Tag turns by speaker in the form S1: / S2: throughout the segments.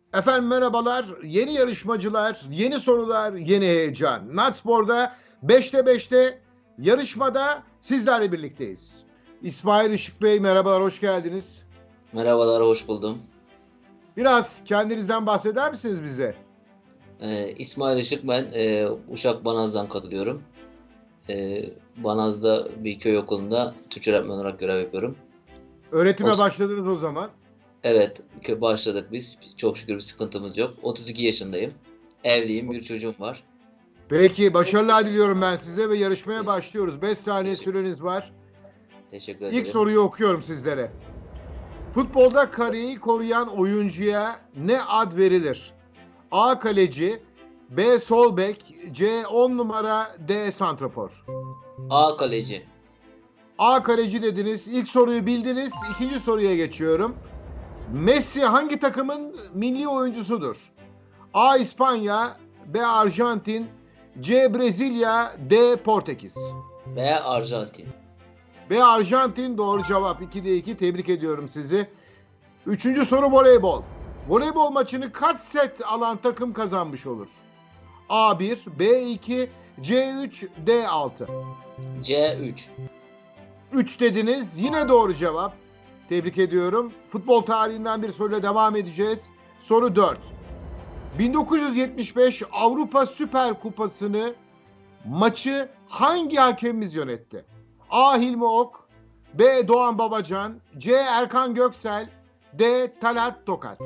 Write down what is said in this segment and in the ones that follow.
S1: Efendim merhabalar. Yeni yarışmacılar, yeni sorular, yeni heyecan. Natspor'da 5'te yarışmada sizlerle birlikteyiz. İsmail Işık Bey merhabalar, hoş geldiniz.
S2: Merhabalar, hoş buldum.
S1: Biraz kendinizden bahseder misiniz bize?
S2: İsmail Işık ben. Uşak Banaz'dan katılıyorum. Banaz'da bir köy okulunda Türkçe öğretmen olarak görev yapıyorum.
S1: Öğretime
S2: 30,
S1: başladınız o zaman.
S2: evet, başladık biz. Çok şükür bir sıkıntımız yok. 32 yaşındayım. Evliyim, bir çocuğum var.
S1: Peki başarılar diliyorum ben size ve yarışmaya
S2: Te-
S1: başlıyoruz. 5 saniye
S2: teşekkür,
S1: süreniz var.
S2: teşekkür
S1: İlk
S2: ederim.
S1: soruyu okuyorum sizlere. Futbolda kariyeyi koruyan oyuncuya ne ad verilir? A. Kaleci, B. Sol bek, C. 10 numara, D. Santrafor.
S2: A kaleci.
S1: A. Kaleci dediniz. İlk soruyu bildiniz. İkinci soruya geçiyorum. Messi hangi takımın milli oyuncusudur? A. İspanya, B. Arjantin, C. Brezilya, D. Portekiz.
S2: B Arjantin.
S1: B. Arjantin doğru cevap. 2'de 2. Tebrik ediyorum sizi. Üçüncü soru voleybol. Voleybol maçını kaç set alan takım kazanmış olur? A1, B2, C3, D6.
S2: C3.
S1: 3 dediniz. Yine doğru cevap. Tebrik ediyorum. Futbol tarihinden bir soruyla devam edeceğiz. Soru 4. 1975 Avrupa Süper Kupası'nı maçı hangi hakemimiz yönetti? A. Hilmi Ok, B. Doğan Babacan, C. Erkan Göksel, D. Talat Tokat.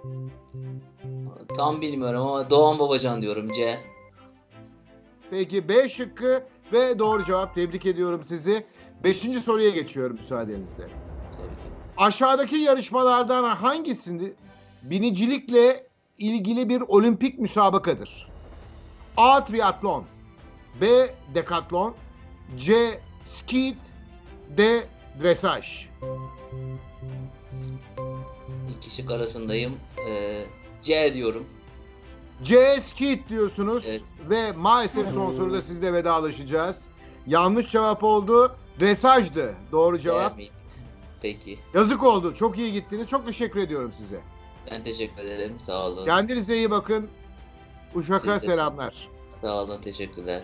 S2: Tam bilmiyorum ama Doğan Babacan diyorum, C.
S1: Peki B şıkkı ve doğru cevap. Tebrik ediyorum sizi. Beşinci soruya geçiyorum müsaadenizle.
S2: Tabii ki.
S1: Aşağıdaki yarışmalardan hangisinde binicilikle ilgili bir olimpik müsabakadır? A. Triatlon, B. Dekatlon, C. Skeet, D. Dresaj.
S2: İki şık arasındayım. C diyorum.
S1: C. Skeet diyorsunuz
S2: Evet.
S1: ve maalesef son soruda sizle vedalaşacağız. Yanlış cevap oldu. Dresajdı. Doğru cevap.
S2: C mi? Peki.
S1: Yazık oldu. Çok iyi gittiniz. Çok teşekkür ediyorum size.
S2: Ben teşekkür ederim. Sağ olun.
S1: Kendinize iyi bakın. Uşak'a
S2: Siz de
S1: selamlar.
S2: sağ olun. Teşekkürler.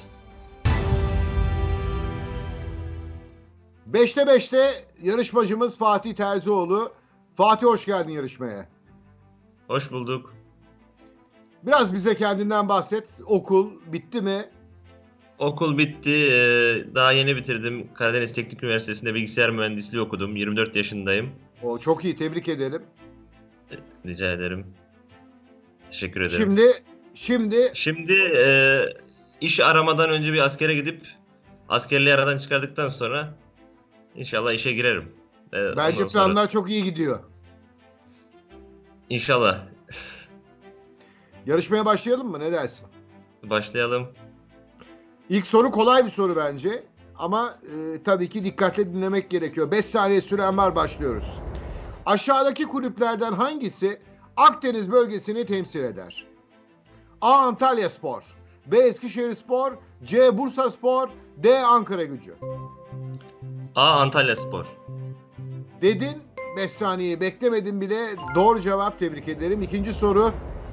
S1: 5'te yarışmacımız Fatih Terzioğlu. Fatih hoş geldin yarışmaya.
S3: Hoş bulduk.
S1: Biraz bize kendinden bahset. Okul bitti mi?
S3: Okul bitti. Daha yeni bitirdim. Karadeniz Teknik Üniversitesi'nde bilgisayar mühendisliği okudum. 24 yaşındayım.
S1: O çok iyi. Tebrik ederim.
S3: Rica ederim. Teşekkür ederim.
S1: Şimdi
S3: İş aramadan önce bir askere gidip askerliği aradan çıkardıktan sonra inşallah işe girerim.
S1: bence
S3: Ondan sonra
S1: planlar çok iyi gidiyor.
S3: İnşallah
S1: Yarışmaya başlayalım mı? Ne dersin?
S3: başlayalım.
S1: İlk soru kolay bir soru bence. Ama tabii ki dikkatle dinlemek gerekiyor. 5 saniye süren var, başlıyoruz. Aşağıdaki kulüplerden hangisi Akdeniz bölgesini temsil eder? A. Antalyaspor, B. Eskişehirspor, C. Bursaspor, D. Ankaragücü.
S3: A. Antalyaspor.
S1: Dedin, 5 saniye beklemedim bile. Doğru cevap, tebrik ederim. İkinci soru.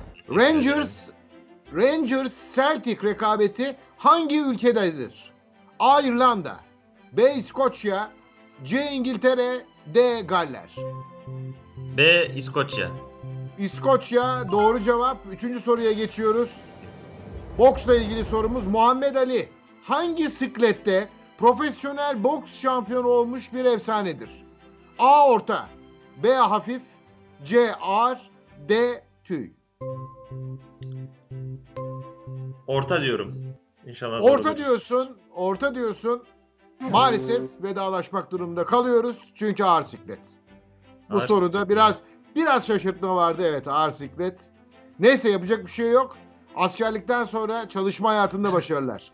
S1: Rangers Celtic rekabeti hangi ülkededir? A. İrlanda, B. İskoçya, C. İngiltere, D. Galler.
S3: B. İskoçya.
S1: İskoçya doğru cevap. Üçüncü soruya geçiyoruz. Boksla ilgili sorumuz. Muhammed Ali hangi siklette profesyonel boks şampiyonu olmuş bir efsanedir? A. Orta, B. Hafif, C. Ağır, D. Tüy.
S3: Orta diyorum. İnşallah
S1: Orta
S3: doğrudur.
S1: orta diyorsun. Maalesef vedalaşmak durumunda kalıyoruz. Çünkü ağır siklet. Bu
S3: Ağır
S1: soruda
S3: siklet.
S1: biraz şaşırtma vardı. Evet, ağır siklet. Neyse, yapacak bir şey yok. Askerlikten sonra çalışma hayatında başarılar.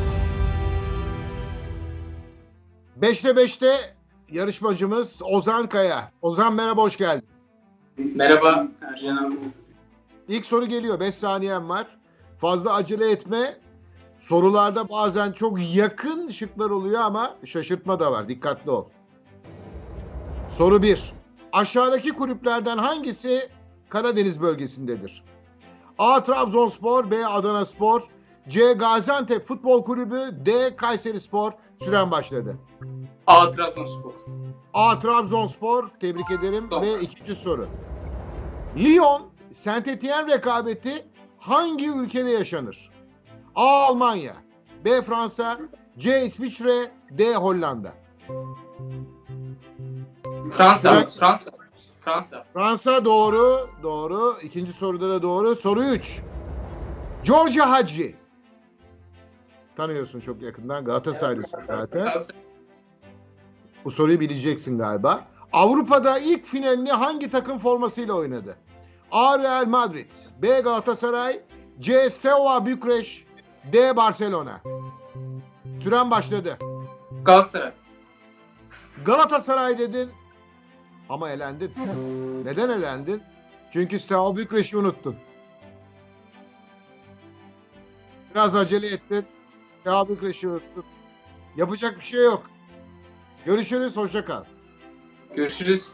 S1: 5'te yarışmacımız Ozan Kaya. Ozan merhaba, hoş geldin.
S4: Merhaba Ercan abi.
S1: İlk soru geliyor. 5 saniyen var. Fazla acele etme. Sorularda bazen çok yakın şıklar oluyor ama şaşırtma da var. Dikkatli ol. Soru 1. Aşağıdaki kulüplerden hangisi Karadeniz bölgesindedir? A. Trabzonspor, B. Adanaspor, C. Gaziantep Futbol Kulübü, D. Kayserispor. Süren başladı.
S4: A. Trabzonspor.
S1: A. Trabzonspor. Tebrik ederim.
S4: Tamam.
S1: Ve ikinci soru. Lyon, Saint-Étienne rekabeti hangi ülkede yaşanır? A. Almanya, B. Fransa, C. İsviçre, D. Hollanda.
S4: Fransa.
S1: Evet.
S4: Fransa. Fransa.
S1: Fransa doğru. Doğru. İkinci soruda da doğru. Soru 3. Giorgio Hagi. Tanıyorsun çok yakından. Galatasaraylısın zaten.
S4: Fransa.
S1: Bu soruyu bileceksin galiba. Avrupa'da ilk finalini hangi takım formasıyla oynadı? A. Real Madrid, B. Galatasaray, C. Steaua Bükreş, D. Barcelona. Süren başladı.
S4: Galatasaray.
S1: Galatasaray dedin ama elendin. Neden elendin? Çünkü Steaua Bükreş'i unuttun. Biraz acele ettin. Steaua Bükreş'i unuttun. Yapacak bir şey yok. Görüşürüz, hoşça kal.
S4: Görüşürüz.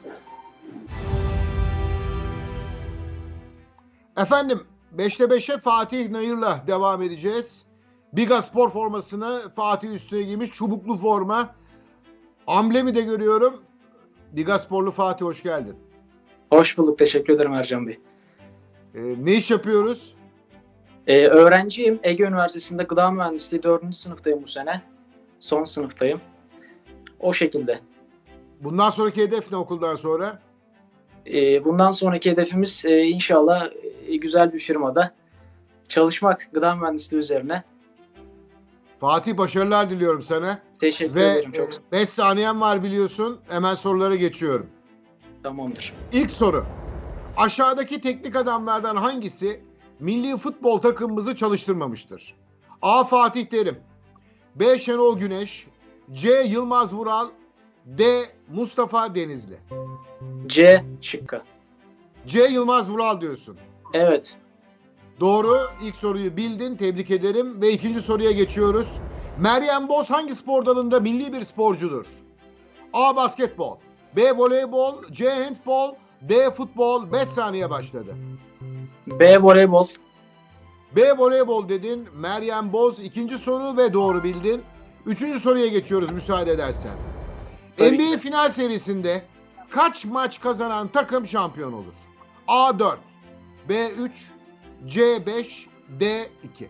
S1: Efendim 5'te 5'e Fatih Nayır'la devam edeceğiz. Biga spor formasını Fatih üstüne giymiş. Çubuklu forma. Amblemi de görüyorum. Biga sporlu Fatih, hoş geldin.
S5: Hoş bulduk. Teşekkür ederim Ercan Bey.
S1: Ne iş yapıyoruz?
S5: Öğrenciyim. Ege Üniversitesi'nde gıda mühendisliği 4. sınıftayım bu sene. Son sınıftayım. O şekilde.
S1: Bundan sonraki hedef ne okuldan sonra?
S5: Bundan sonraki hedefimiz inşallah güzel bir firmada çalışmak gıda mühendisliği üzerine.
S1: Fatih, başarılar diliyorum sana.
S5: Teşekkür
S1: Ve
S5: ederim. Çok
S1: 5 saniyen var biliyorsun. Hemen sorulara geçiyorum.
S5: tamamdır.
S1: İlk soru. Aşağıdaki teknik adamlardan hangisi milli futbol takımımızı çalıştırmamıştır? A. Fatih Terim, B. Şenol Güneş, C. Yılmaz Vural, D. Mustafa Denizli.
S5: C şıkkı.
S1: C. Yılmaz Vural diyorsun.
S5: Evet.
S1: Doğru. İlk soruyu bildin. Tebrik ederim. Ve ikinci soruya geçiyoruz. Meryem Boz hangi spor dalında milli bir sporcudur? A. Basketbol, B. Voleybol, C. Handbol, D. Futbol. 5 saniye başladı.
S5: B voleybol.
S1: B. Voleybol dedin. Meryem Boz ikinci soru ve doğru bildin. Üçüncü soruya geçiyoruz müsaade edersen.
S5: Tabii
S1: NBA
S5: ki.
S1: final serisinde kaç maç kazanan takım şampiyon olur? A. 4, B. 3, C. 5, D. 2.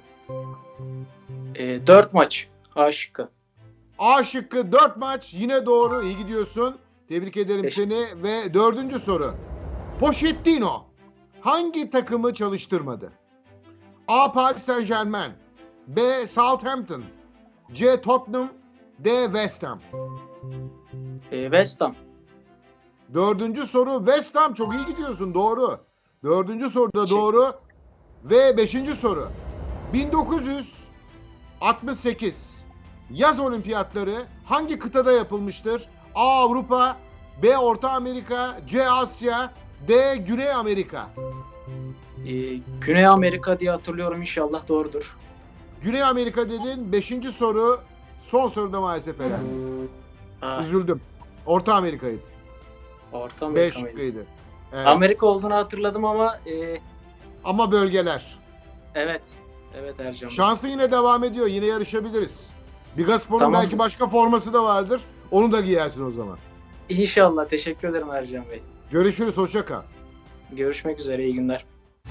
S5: 4 maç. A şıkkı.
S1: A şıkkı 4 maç, yine doğru, iyi gidiyorsun. Tebrik ederim
S5: Teşekkür.
S1: seni. Ve dördüncü soru. Pochettino hangi takımı çalıştırmadı? A. Paris Saint-Germain, B. Southampton, C. Tottenham, D. West Ham.
S5: West Ham.
S1: Dördüncü soru West Ham, çok iyi gidiyorsun, doğru. Dördüncü soru da doğru. Ve beşinci soru. 1968 yaz olimpiyatları hangi kıtada yapılmıştır? A. Avrupa, B. Orta Amerika, C. Asya, D. Güney Amerika.
S5: Güney Amerika diye hatırlıyorum. İnşallah doğrudur.
S1: Güney Amerika dedin. Beşinci soru. Son soruda maalesef elendi.
S5: Ha,
S1: Üzüldüm. Orta Amerika'ydı.
S5: Orta
S1: B
S5: Amerika mıydı?
S1: şıkkıydı. Evet.
S5: Amerika olduğunu hatırladım ama
S1: Ama bölgeler.
S5: evet. Evet Ercan Bey.
S1: Şansın yine devam ediyor. Yine yarışabiliriz. Bigaspor'un
S5: Tamamdır.
S1: belki başka forması da vardır. Onu da giyersin o zaman.
S5: İnşallah. Teşekkür ederim Ercan Bey.
S1: Görüşürüz. Hoşça kal.
S5: Görüşmek üzere. İyi günler.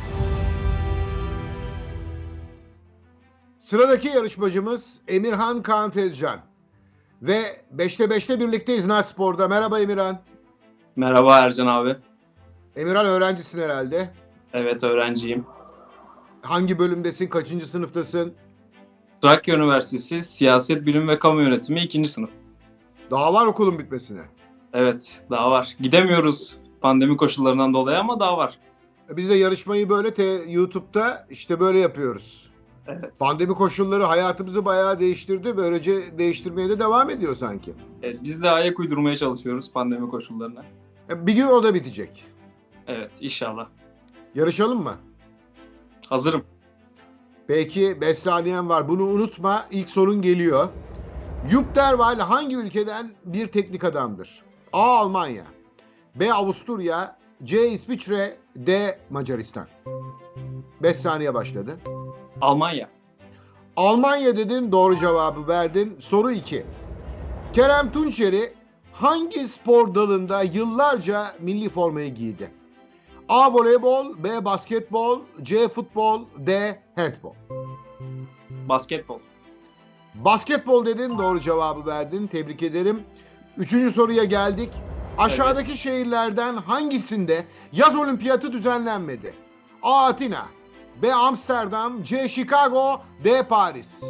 S1: Sıradaki yarışmacımız Emirhan Kaan Tezcan. Ve 5'te 5'te birlikteyiz Spor'da. Merhaba Emirhan.
S6: Merhaba Ercan abi.
S1: Emirhan, öğrencisin herhalde.
S6: Evet, öğrenciyim.
S1: Hangi bölümdesin? Kaçıncı sınıftasın?
S6: Trakya Üniversitesi Siyaset Bilimi ve Kamu Yönetimi 2. sınıf.
S1: Daha var okulun bitmesine.
S6: Evet, daha var. Gidemiyoruz pandemi koşullarından dolayı ama daha var.
S1: Biz de yarışmayı böyle YouTube'da işte böyle yapıyoruz.
S6: Evet.
S1: Pandemi koşulları hayatımızı bayağı değiştirdi. Böylece değiştirmeye de devam ediyor sanki.
S6: Evet, biz de ayak uydurmaya çalışıyoruz pandemi koşullarına.
S1: Bir gün o da bitecek.
S6: Evet, inşallah.
S1: Yarışalım mı?
S6: Hazırım.
S1: Peki 5 saniyen var. Bunu unutma. İlk sorun geliyor. Jupp Derwall hangi ülkeden bir teknik adamdır? A. Almanya, B. Avusturya, C. İsviçre, D. Macaristan. 5 saniye başladı.
S6: Almanya.
S1: Almanya dedin, doğru cevabı verdin. Soru 2. Kerem Tunçeri hangi spor dalında yıllarca milli formayı giydi? A. Voleybol, B. Basketbol, C. Futbol, D. Handbol.
S6: Basketbol.
S1: Basketbol dedin, doğru cevabı verdin. Tebrik ederim. 3. soruya geldik. Aşağıdaki şehirlerden hangisinde yaz olimpiyatı düzenlenmedi? A. Atina, B. Amsterdam, C. Chicago, D. Paris.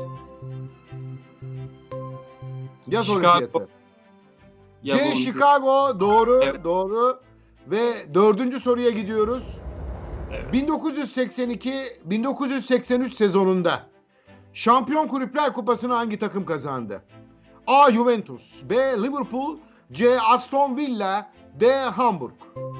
S1: Yaz
S6: Chicago.
S1: olimpiyatı.
S6: Yaz
S1: C.
S6: olimpiyatı.
S1: Chicago, doğru,
S6: Evet.
S1: doğru. Ve 4. soruya gidiyoruz.
S6: Evet.
S1: 1982-1983 sezonunda Şampiyon Kulüpler Kupası'nı hangi takım kazandı? A. Juventus, B. Liverpool, C. Aston Villa, D. Hamburg.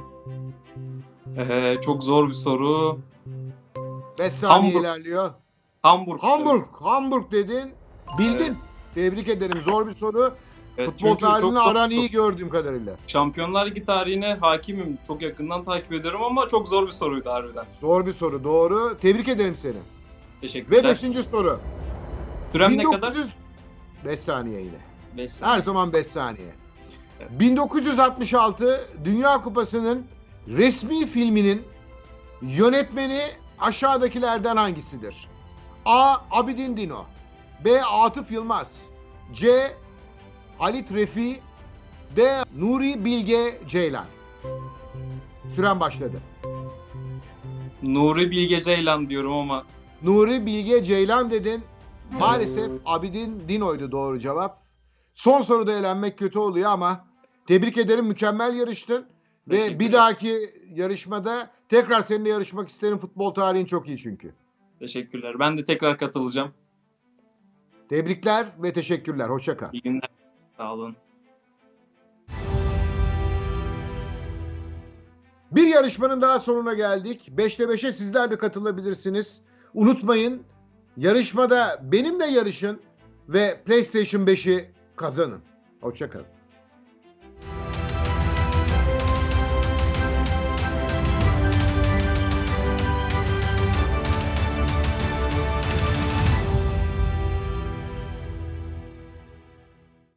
S6: Çok zor bir soru.
S1: 5 saniye
S6: Hamburg.
S1: ilerliyor.
S6: Hamburg.
S1: Hamburg dedin. Bildin.
S6: Evet.
S1: Tebrik ederim. Zor bir soru.
S6: Evet,
S1: Futbol
S6: çünkü
S1: tarihini
S6: çok-
S1: aran iyi gördüğüm kadarıyla.
S6: Şampiyonlar Ligi tarihine hakimim. Çok yakından takip ediyorum ama çok zor bir soruydu harbiden.
S1: Zor bir soru. Doğru. Tebrik ederim seni. Ve
S6: Teşekkürler.
S1: 5. soru.
S6: Sürem ne kadar?
S1: 5 saniye yine.
S6: 5 saniye.
S1: Her zaman 5 saniye.
S6: Evet.
S1: 1966 Dünya Kupası'nın resmi filminin yönetmeni aşağıdakilerden hangisidir? A. Abidin Dino, B. Atıf Yılmaz, C. Halit Refi, D. Nuri Bilge Ceylan. Süren başladı.
S6: Nuri Bilge Ceylan diyorum ama
S1: Nuri Bilge Ceylan dedin. Maalesef Abidin Dino'ydu doğru cevap. Son soruda elenmek kötü oluyor ama tebrik ederim, mükemmel yarıştın. Ve
S6: Teşekkürler.
S1: bir dahaki yarışmada tekrar seninle yarışmak isterim. Futbol tarihin çok iyi çünkü.
S6: teşekkürler. Ben de tekrar katılacağım.
S1: Tebrikler ve teşekkürler. Hoşça kal.
S6: İyi günler. Sağ olun.
S1: Bir yarışmanın daha sonuna geldik. 5'te 5'e sizler de katılabilirsiniz. Unutmayın, yarışmada benimle yarışın ve PlayStation 5'i kazanın. Hoşça kalın.